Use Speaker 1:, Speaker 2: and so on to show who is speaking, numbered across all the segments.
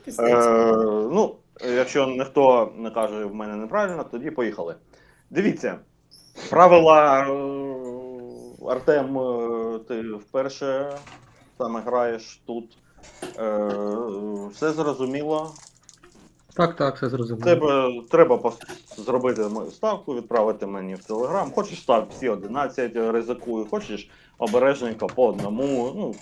Speaker 1: пиздець.
Speaker 2: Ну, якщо ніхто не каже в мене неправильно, тоді поїхали. Дивіться, правила, Артем, ти вперше саме граєш тут. Все зрозуміло.
Speaker 3: Так, все зрозуміло.
Speaker 2: Треба зробити ставку, відправити мені в Телеграм. Хочеш став всі 11, ризикую, хочеш обережненько по одному. Ну,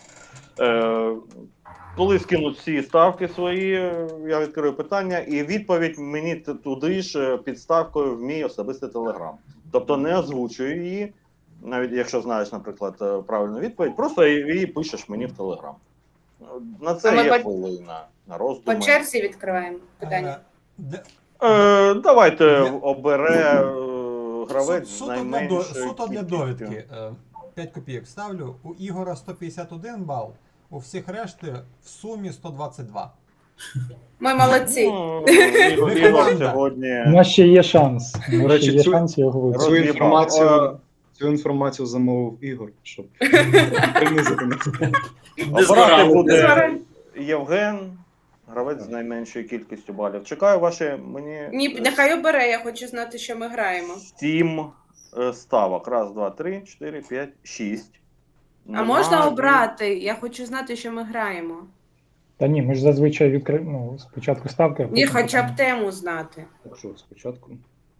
Speaker 2: коли скинуть всі ставки свої, я відкрию питання, і відповідь мені туди ж під ставкою в мій особистий Телеграм. Тобто не озвучую її, навіть якщо знаєш, наприклад, правильну відповідь, просто її пишеш мені в Телеграм. На це є хвилина, на роздуми.
Speaker 1: По черзі відкриваємо питання.
Speaker 2: Давайте обере гравець з найменшою
Speaker 4: Суто для
Speaker 2: кількістю.
Speaker 4: довідки. 5 копійок ставлю. У Ігора 151 бал, у всіх решти в сумі 122.
Speaker 1: Ми молодці.
Speaker 2: Ну, Ігор сьогодні...
Speaker 5: У нас ще є шанс. У
Speaker 6: До
Speaker 5: нас ще
Speaker 6: речі,
Speaker 5: є шанс його виграти.
Speaker 6: Цю інформацію замовив Ігор, щоб принизити нас.
Speaker 2: Обирати буде
Speaker 1: Згорай.
Speaker 2: Євген, гравець з найменшою кількістю балів. Чекаю ваші, мені...
Speaker 1: Ні, нехай обере, я хочу знати, що ми граємо.
Speaker 2: 7 ставок. Раз, два, три, 4, 5, 6.
Speaker 1: А можна обрати? Я хочу знати, що ми граємо.
Speaker 5: Та ні, ми ж зазвичай відкриємо спочатку ставки.
Speaker 1: Ні, хоча б тему знати.
Speaker 6: Так що, спочатку.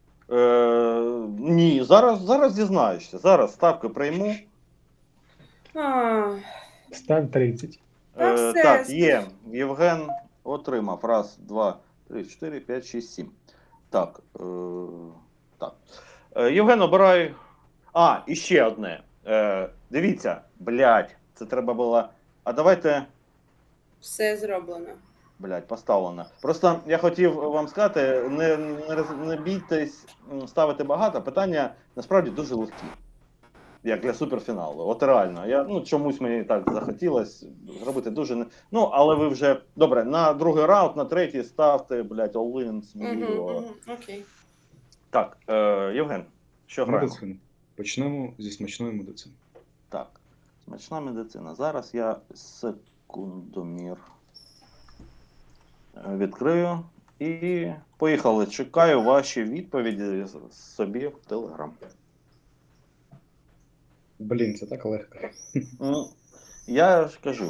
Speaker 2: Ні, зараз дізнаєшся. Зараз ставки прийму.
Speaker 1: А,
Speaker 5: Став 30.
Speaker 1: Та все.
Speaker 2: Так, є. Євген отримав. Раз, два, три, 4, 5, 6, 7. Так. Так. Євген, обирай. І ще одне. Дивіться, блядь, це треба було. А давайте.
Speaker 1: Все зроблено.
Speaker 2: Блядь, поставлено. Просто я хотів вам сказати, не бійтесь ставити багато. Питання насправді дуже легкі. Як для суперфіналу. От реально. Чомусь мені так захотілося зробити дуже... але ви вже... Добре, на другий раунд, на третій ставте, блядь, all-in, сміливо.
Speaker 1: Окей.
Speaker 2: Так, Євген, що граємо?
Speaker 6: Медицина. Почнемо зі смачної медицини.
Speaker 2: Так, смачна медицина. Зараз я секундомір відкрию і поїхали. Чекаю ваші відповіді собі в Телеграм.
Speaker 6: Блін, це так легко.
Speaker 2: Я ж кажу.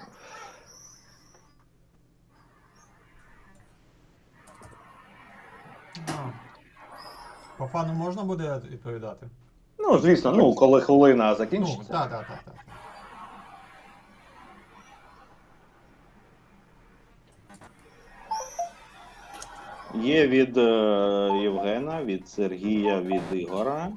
Speaker 4: По фану можна буде відповідати?
Speaker 2: Звісно, коли хвилина закінчиться.
Speaker 4: Так.
Speaker 2: Є від Євгена, від Сергія, від Ігора.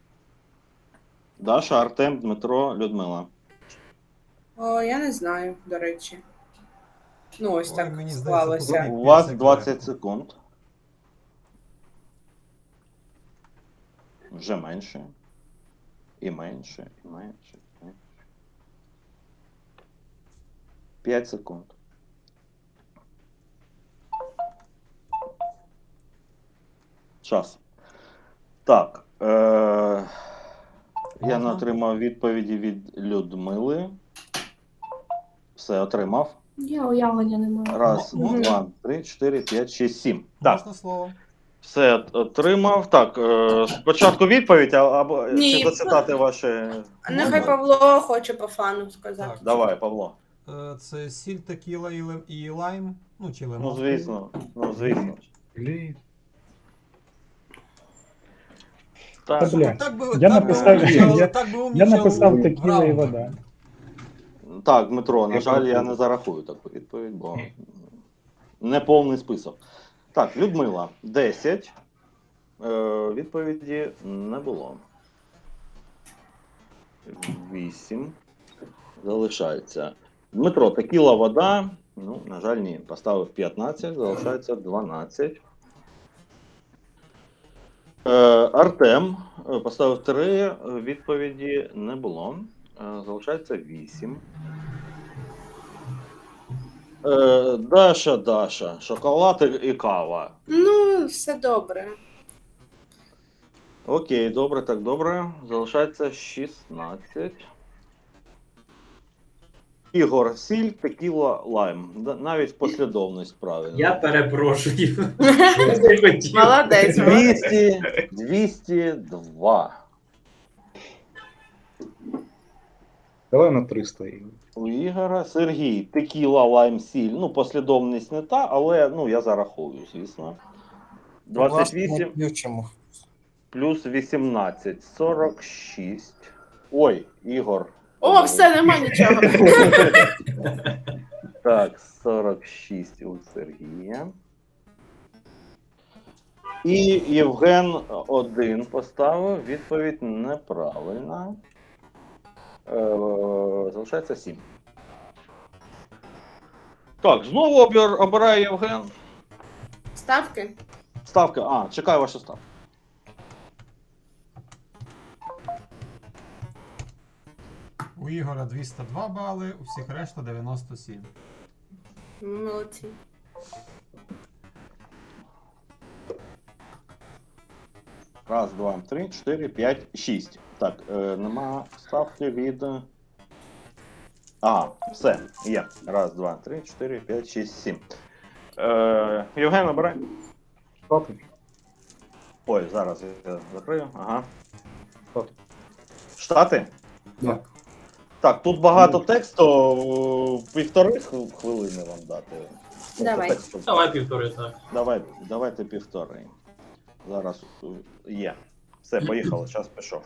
Speaker 2: Даша, Артем, Дмитро, Людмила.
Speaker 1: Я не знаю, до речі. Ось
Speaker 4: Ой,
Speaker 1: так
Speaker 4: мені
Speaker 1: склалося.
Speaker 4: здається,
Speaker 2: У вас 20 секунд. Вже менше. І менше, і менше, і менше. 5 секунд. Час. Так. Я не отримав відповіді від Людмили. Все, отримав.
Speaker 7: Я уявлення не маю.
Speaker 2: Раз, два, три, 4, 5, 6, 7. Так,
Speaker 4: Можна слово?
Speaker 2: все отримав. Так, спочатку відповідь, або
Speaker 1: Ні.
Speaker 2: чи зацитати ваші...
Speaker 1: Нехай Павло хоче по фану сказати.
Speaker 4: Так.
Speaker 2: Давай, Павло.
Speaker 4: Це сіль, текіла і лайм. Чи лимон.
Speaker 2: Ну, звісно.
Speaker 6: Блін.
Speaker 2: Так.
Speaker 5: Та, бля.
Speaker 4: Так би
Speaker 5: Я написав- Я написав
Speaker 4: в
Speaker 5: текіла і
Speaker 4: раундах.
Speaker 5: вода.
Speaker 2: Так, Дмитро, на жаль, я не зарахую таку відповідь, бо не повний список. Так, Людмила, 10. Відповіді не було. 8. Залишається. Дмитро, текіла, вода. На жаль, ні. Поставив 15, залишається 12. Артем поставив 3, відповіді не було. Залишається 8. Даша, шоколад і кава.
Speaker 1: Все добре.
Speaker 2: Окей, добре, так добре. Залишається 16. Ігор, сіль, текіла, лайм. Навіть послідовність правильно.
Speaker 8: Я перепрошую. Не хотів.
Speaker 1: Молодець, молодець.
Speaker 2: 202.
Speaker 6: Давай на 300 Ігор.
Speaker 2: У Ігора. Сергій, текіла, лайм, сіль. Ну, послідовність не та, але ну, я зараховую, звісно. 28
Speaker 9: Ключимо.
Speaker 2: плюс 18. 46. Ой, Ігор.
Speaker 1: О, все, нема нічого.
Speaker 2: Так, 46 у Сергія. І Євген 1 поставив. Відповідь неправильна. Залишається 7. Так, знову обирає Євген.
Speaker 1: Ставки?
Speaker 2: Ставка. Чекаю вашу ставку.
Speaker 4: У Ігора 202 бали, у всіх решта 97.
Speaker 1: Молодці.
Speaker 2: Раз, два, три, 4, 5, 6. Так, нема ставки від. Все, є. Раз, два, три, 4, 5, 6, 7. Євген, обирай.
Speaker 6: Штати.
Speaker 2: Ой, зараз я закрию. Ага.
Speaker 6: Штати.
Speaker 2: Штати?
Speaker 6: Да.
Speaker 2: Так, тут багато тексту, 1,5 хвилини вам дати.
Speaker 1: Давай.
Speaker 2: Тексту.
Speaker 8: Давай півтори, так.
Speaker 2: Давайте 1,5. Зараз є. Все, поїхали, час пішов.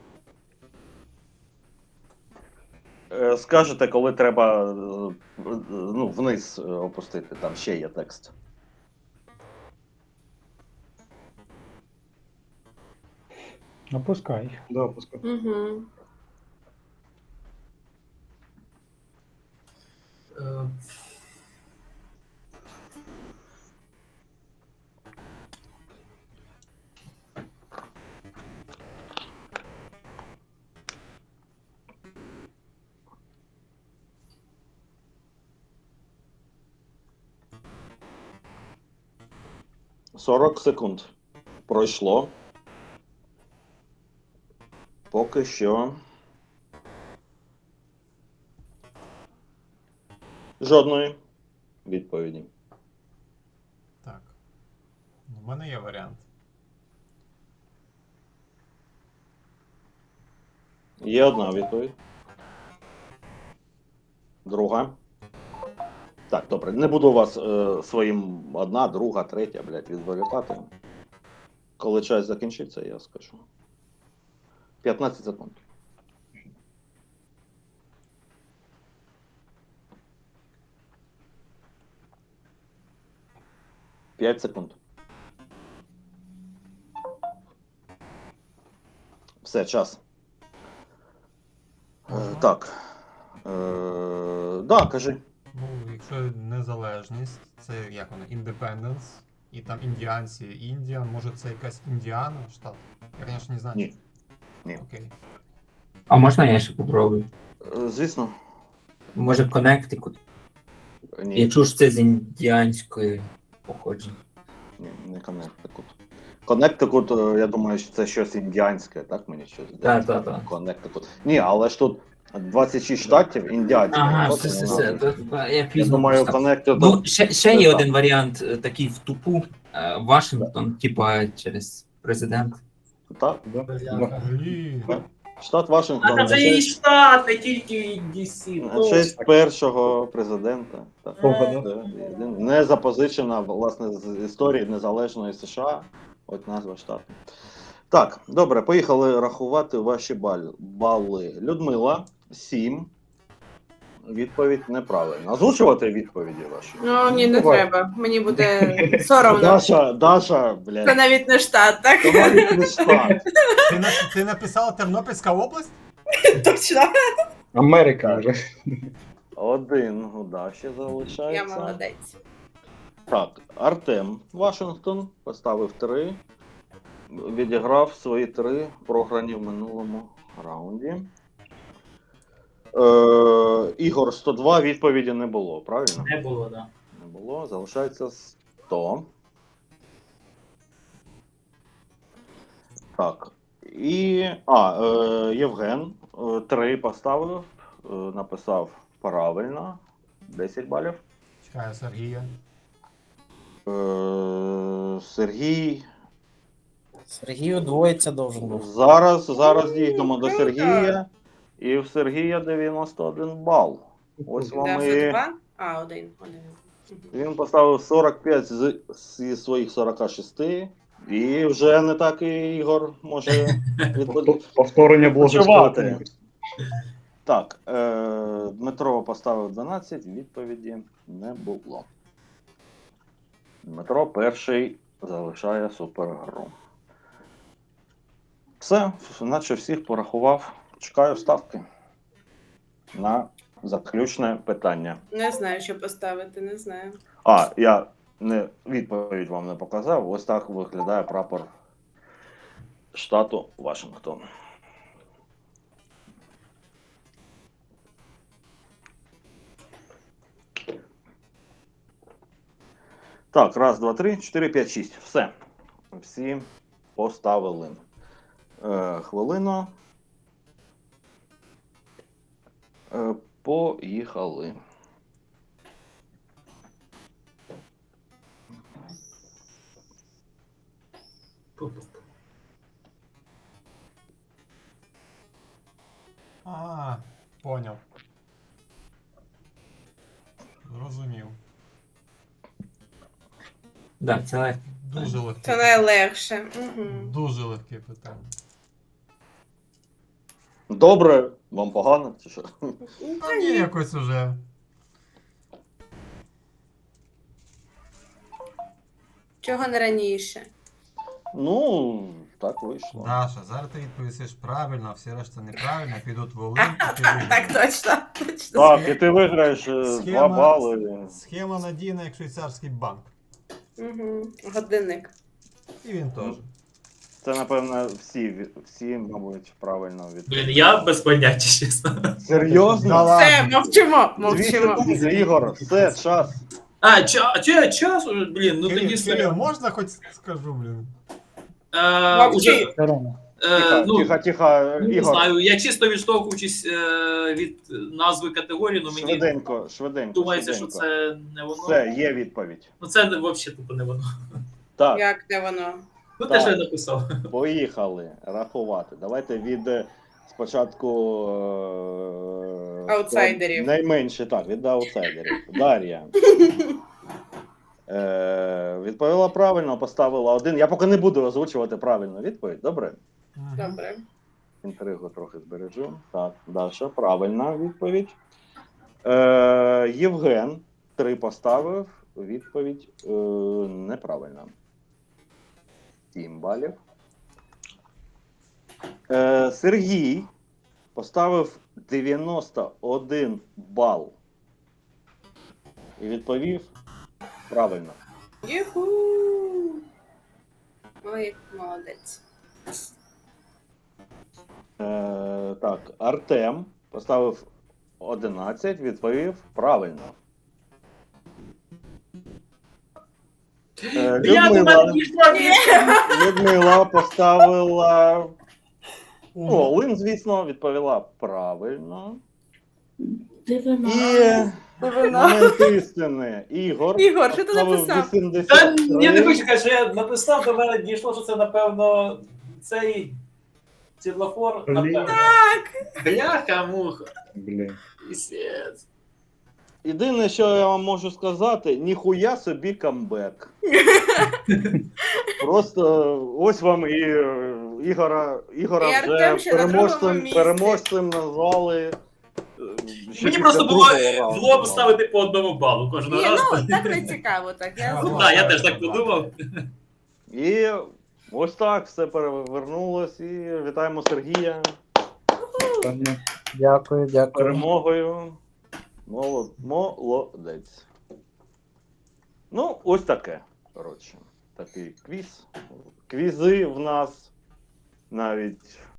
Speaker 2: Скажете, коли треба вниз опустити, там ще є текст.
Speaker 5: Опускай.
Speaker 6: Да, пускай.
Speaker 1: Угу.
Speaker 8: Е,
Speaker 2: — 40 секунд. Пройшло. Поки що. Жодної відповіді.
Speaker 4: Так. У мене є варіант.
Speaker 2: Є одна відповідь. Друга. Так, добре. Не буду вас своїм одна, друга, третя, відволікати. Коли час закінчиться, я скажу. 15 секунд. П'ять секунд. Все, час. Так. Да, кажи.
Speaker 4: Ну, якщо незалежність, це як воно, Independence, і там індіанці, Індіан, може це якась Індіана, штат? Я, звісно, не знаю.
Speaker 2: Ні. Ні.
Speaker 4: Окей.
Speaker 10: А можна я ще попробую?
Speaker 2: Звісно.
Speaker 10: Може Коннектикут?
Speaker 2: Ні.
Speaker 10: Я чув, що це з індіанської походження.
Speaker 2: Ні, не Коннектикут. Коннектикут, я думаю, що це щось індіанське, так? Мені щось здається.
Speaker 10: Так.
Speaker 2: Коннектикут. Ні, але ж тут 26 штатів індіанських.
Speaker 10: Ага,
Speaker 2: От
Speaker 10: все.
Speaker 2: воно.
Speaker 10: Я
Speaker 2: Я
Speaker 10: пізно
Speaker 2: думаю,
Speaker 10: прочитав.
Speaker 2: Коннектикут.
Speaker 10: Ну, ще є один варіант такий в тупу. Вашингтон, типа через президент.
Speaker 2: Так,
Speaker 6: Да.
Speaker 8: бляха.
Speaker 4: Блін.
Speaker 2: штат Вашингтон.
Speaker 8: А це і штат, не тільки DC.
Speaker 2: На честь першого президента. Так.
Speaker 6: Ого, да.
Speaker 2: Не запозичена, власне, з історії незалежної США. От назва штату. Так, добре, поїхали рахувати ваші бали. Людмила, 7. Відповідь неправильна. Озвучувати відповіді ваші?
Speaker 1: Ну, ні, не
Speaker 6: Давай.
Speaker 1: треба. Мені буде соромно.
Speaker 2: Даша, блядь.
Speaker 1: Це навіть не штат, так?
Speaker 2: Це навіть не штат.
Speaker 4: Ти написала Тернопільська область?
Speaker 1: Точно.
Speaker 6: Америка вже.
Speaker 2: 1 у Даші
Speaker 1: Я
Speaker 2: залишається.
Speaker 1: молодець.
Speaker 2: Так, Артем Вашингтон поставив 3. Відіграв свої 3 програні в минулому раунді. Ігор 102, відповіді не було, правильно?
Speaker 8: Не було, так.
Speaker 2: Не було, залишається 100. Так. І. Євген 3 поставив, написав Правильно. 10 балів.
Speaker 4: Чекаю Сергія.
Speaker 2: Сергій.
Speaker 9: Сергій удвоїться должен був.
Speaker 2: Зараз дійдемо до Сергія. І в Сергія 91 бал. Ось вам
Speaker 1: Да,
Speaker 2: і...
Speaker 1: вже 2? А, один.
Speaker 2: Він поставив 45 зі своїх 46. І вже не так і Ігор може
Speaker 5: Повторення було
Speaker 2: відпочивати.
Speaker 5: жорстоким.
Speaker 2: Так, Дмитро поставив 12, відповіді не було. Дмитро перший залишає супергру. Все, наче всіх порахував. Чекаю ставки на заключне питання.
Speaker 1: Не знаю, що поставити, не знаю.
Speaker 2: Я відповідь вам не показав. Ось так виглядає прапор штату Вашингтон. Так, 1, 2, 3, 4, 5, 6. Все. Всі поставили. Хвилину. Поїхали.
Speaker 4: Поняв. Зрозумів.
Speaker 10: Да, це легко.
Speaker 4: Дуже легке.
Speaker 1: Це найлегше. Угу.
Speaker 4: Дуже легке питання.
Speaker 2: Добре, вам погано, чи що?
Speaker 4: А ні, якось уже.
Speaker 1: Чого не раніше?
Speaker 2: Ну, так вийшло.
Speaker 4: Даша, зараз ти відповісиш правильно, а всі решта неправильно, підуть в Олимп, і ти виграєш.
Speaker 1: Так точно.
Speaker 2: Так, і ти виграєш 2 бали.
Speaker 4: Схема надійна, як швейцарський банк.
Speaker 1: Угу. Годинник.
Speaker 4: І він теж.
Speaker 2: Це, напевно, всі, мабуть, правильно
Speaker 8: Блін, я без поняття, чесно.
Speaker 2: Серйозно?
Speaker 4: Да
Speaker 1: Все,
Speaker 4: ладно.
Speaker 1: мовчимо,
Speaker 2: 2
Speaker 1: мовчимо.
Speaker 2: секунди, Ігор, все, час.
Speaker 8: Час уже, блін, ну тоді
Speaker 4: Кирил, можна хоч скажу, блін?
Speaker 1: Мовчи.
Speaker 5: Сторона.
Speaker 2: Тихо,
Speaker 8: Не
Speaker 2: Ігор.
Speaker 8: знаю, я чисто відштовхуючись від назви категорії, ну мені
Speaker 2: Швиденько.
Speaker 8: думається, що це не воно.
Speaker 2: Все, є відповідь.
Speaker 8: Ну це взагалі тупо не воно.
Speaker 2: Так,
Speaker 1: Як де воно?
Speaker 8: Ну
Speaker 2: Так.
Speaker 8: те, що я написав.
Speaker 2: поїхали рахувати. Давайте від спочатку
Speaker 1: Аутсайдерів.
Speaker 2: Найменше, так, від аутсайдерів. Дар'я. Відповіла правильно, поставила 1. Я поки не буду озвучувати правильну відповідь, добре?
Speaker 4: Мгм.
Speaker 1: Добре.
Speaker 2: Інтригу трохи збережу. Так, Даша, правильна відповідь. Євген 3 поставив. Відповідь неправильна. 7 балів. Сергій поставив 91 бал. І відповів правильно.
Speaker 1: Юху. Ой, молодець.
Speaker 2: Так, Артем поставив 11, відповів правильно. Людмила поставила Олин, звісно, відповіла правильно.
Speaker 7: Дивина.
Speaker 2: І момент істини. Ігор
Speaker 1: Ігор, що ти
Speaker 2: поставив
Speaker 1: написав?
Speaker 2: 83.
Speaker 8: Я не хочу сказати, що я написав, до мене дійшло, що це, напевно, цей світлофор, напевно. Бляха-муха.
Speaker 5: Блін.
Speaker 8: Пісець.
Speaker 2: Єдине, що я вам можу сказати, ніхуя собі камбек. Просто ось вам і Ігора
Speaker 1: І Артем ще
Speaker 2: вже
Speaker 1: на другому місці.
Speaker 2: переможцем назвали.
Speaker 8: Мені просто було в лоб ставити по 1 балу кожен
Speaker 1: Ні,
Speaker 8: раз.
Speaker 1: ну так не цікаво, так. Я
Speaker 4: Ну,
Speaker 8: Так, я теж так подумав.
Speaker 2: І ось так все перевернулось. І вітаємо Сергія
Speaker 9: Дякую, дякую.
Speaker 2: перемогою. Молодець. Ну, ось таке. Коротше, такий квіз. Квізи в нас навіть